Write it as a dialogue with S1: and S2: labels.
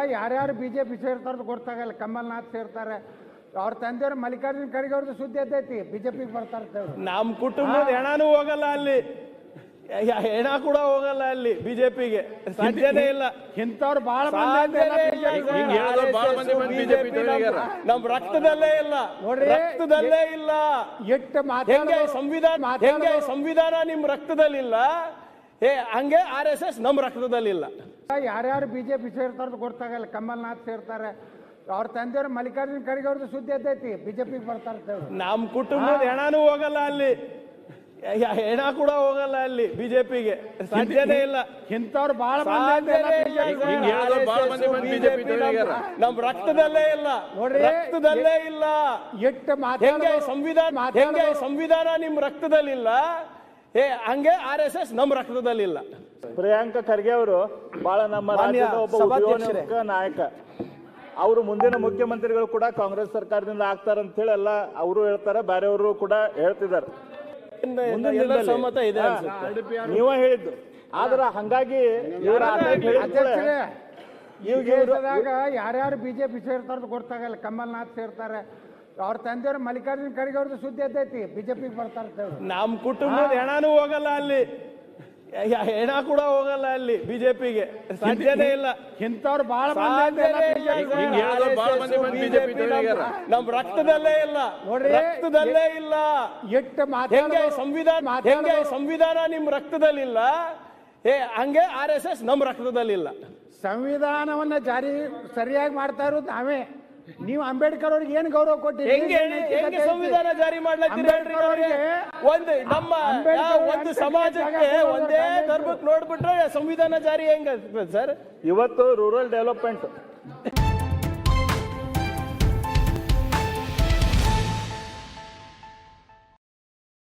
S1: ಯಾರ್ಯಾರು ಬಿಜೆಪಿ ಸೇರ್ತಾರ ಗೊತ್ತಾಗಲ್ಲ. ಕಮಲ್ನಾಥ್ ಸೇರ್ತಾರೆ, ಅವ್ರ ತಂದೆಯವ್ರು ಮಲ್ಲಿಕಾರ್ಜುನ್ ಖರ್ಗೆ ಅವ್ರದ್ದು ಸುದ್ದಿ ಎದ್ದೈತಿ, ಬಿಜೆಪಿಗೆ ಬರ್ತಾರೆ.
S2: ನಮ್ಮ ಕುಟುಂಬದ ಹೆಣನೂ ಹೋಗಲ್ಲ ಅಲ್ಲಿ, ಹೆಣ ಕೂಡ ಹೋಗಲ್ಲ ಅಲ್ಲಿ ಬಿಜೆಪಿಗೆ, ಸಾಧ್ಯನೇ ಇಲ್ಲ.
S1: ಇಂಥವ್ರು ಬಹಳ
S2: ನಮ್ ರಕ್ತದಲ್ಲೇ ಇಲ್ಲ, ರಕ್ತದಲ್ಲೇ ಇಲ್ಲ. ಹೆಂಗೆ ಸಂವಿಧಾನ ನಿಮ್ ರಕ್ತದಲ್ಲಿಲ್ಲ, ಹಂಗೆ RSS ನಮ್ ರಕ್ತದಲ್ಲಿಲ್ಲ.
S1: ಯಾರ್ಯಾರು ಬಿಜೆಪಿ ಸೇರ್ತಾರ ಗೊತ್ತಾಗಲ್ಲ. ಕಮಲ್ನಾಥ್ ಸೇರ್ತಾರೆ, ಅವ್ರ ತಂದೆಯವ್ರು ಮಲ್ಲಿಕಾರ್ಜುನ್ ಖರ್ಗೆ ಅವ್ರದ್ದು ಸುದ್ದಿ ಎದ್ದೈತಿ, ಬಿಜೆಪಿಗೆ ಬರ್ತಾರೆ.
S2: ನಮ್ ಕುಟುಂಬದ ಹೆಣನೂ ಹೋಗಲ್ಲ ಅಲ್ಲಿ, ಹೆಣ ಕೂಡ ಹೋಗಲ್ಲ ಅಲ್ಲಿ ಬಿಜೆಪಿಗೆ, ಸಾಧ್ಯನೇ ಇಲ್ಲ.
S1: ಇಂಥವ್ರು ಬಹಳ
S2: ನಮ್ ರಕ್ತದಲ್ಲೇ ಇಲ್ಲ, ರಕ್ತದಲ್ಲೇ ಇಲ್ಲ. ಹೆಂಗೆ ಸಂವಿಧಾನ ನಿಮ್ ರಕ್ತದಲ್ಲಿಲ್ಲ, ಹಂಗೆ RSS ನಮ್ ರಕ್ತದಲ್ಲಿಲ್ಲ.
S3: ಪ್ರಿಯಾಂಕ ಖರ್ಗೆ ಅವರು ಬಹಳ ನಮ್ಮ ರಾಜ್ಯದ ಒಬ್ಬ ಉದ್ಯೋಗ ನಾಯಕ. ಅವರು ಮುಂದಿನ ಮುಖ್ಯಮಂತ್ರಿಗಳು ಕೂಡ ಕಾಂಗ್ರೆಸ್ ಸರ್ಕಾರದಿಂದ ಆಗ್ತಾರಂತ ಹೇಳಿ ಎಲ್ಲ ಅವರು ಹೇಳ್ತಾರೆ, ಬೇರೆಯವರು ಕೂಡ ಹೇಳ್ತಿದ್ದಾರೆ.
S2: ಸಮ್ಮತ ಇದೆ
S3: ನೀವ ಹೇಳಿದ್ದು. ಆದ್ರೆ ಹಂಗಾಗಿ
S1: ಯಾರ್ಯಾರು ಬಿಜೆಪಿ ಸೇರ್ತಾರ ಗೊತ್ತಾಗಲ್ಲ. ಕಮಲ್ನಾಥ್ ಸೇರ್ತಾರೆ, ಅವ್ರ ತಂದೆಯವ್ರು ಮಲ್ಲಿಕಾರ್ಜುನ್ ಖರ್ಗೆ ಅವ್ರದ್ದು ಸುದ್ದಿ ಎದ್ದೈತಿ, ಬಿಜೆಪಿಗೆ ಬರ್ತಾರೆ.
S2: ನಮ್ ಕುಟುಂಬದ ಹೆಣನೂ ಹೋಗಲ್ಲ ಅಲ್ಲಿ, ಹೆಣ ಕೂಡ ಹೋಗಲ್ಲ ಅಲ್ಲಿ ಬಿಜೆಪಿಗೆ, ಸಾಧ್ಯನೇ ಇಲ್ಲ.
S1: ಇಂಥವ್ರು ಬಹಳ
S2: ನಮ್ ರಕ್ತದಲ್ಲೇ ಇಲ್ಲ, ರಕ್ತದಲ್ಲೇ ಇಲ್ಲ. ಹೆಂಗೆ ಸಂವಿಧಾನ ನಿಮ್ ರಕ್ತದಲ್ಲಿಲ್ಲ, ಹಂಗೆ RSS ನಮ್ ರಕ್ತದಲ್ಲಿಲ್ಲ.
S1: ಸಂವಿಧಾನವನ್ನ ಜಾರಿ ಸರಿಯಾಗಿ ಮಾಡ್ತಾ ಇರೋದು ನಾವೇ. ನೀವು ಅಂಬೇಡ್ಕರ್ ಅವ್ರಿಗೆ ಏನು ಗೌರವ ಕೊಟ್ಟಿರಿ?
S2: ಹೆಂಗೆ ಸಂವಿಧಾನ ಜಾರಿ ಮಾಡ್ಲತ್ತೀರಿ? ಒಂದು ಸಮಾಜಕ್ಕೆ ಒಂದೇ ಧರ್ಮಕ್ಕೆ ನೋಡ್ಬಿಟ್ರೆ ಸಂವಿಧಾನ ಜಾರಿ ಹೆಂಗ ಸರ್?
S3: ಇವತ್ತು ರೂರಲ್ ಡೆವಲಪ್ಮೆಂಟ್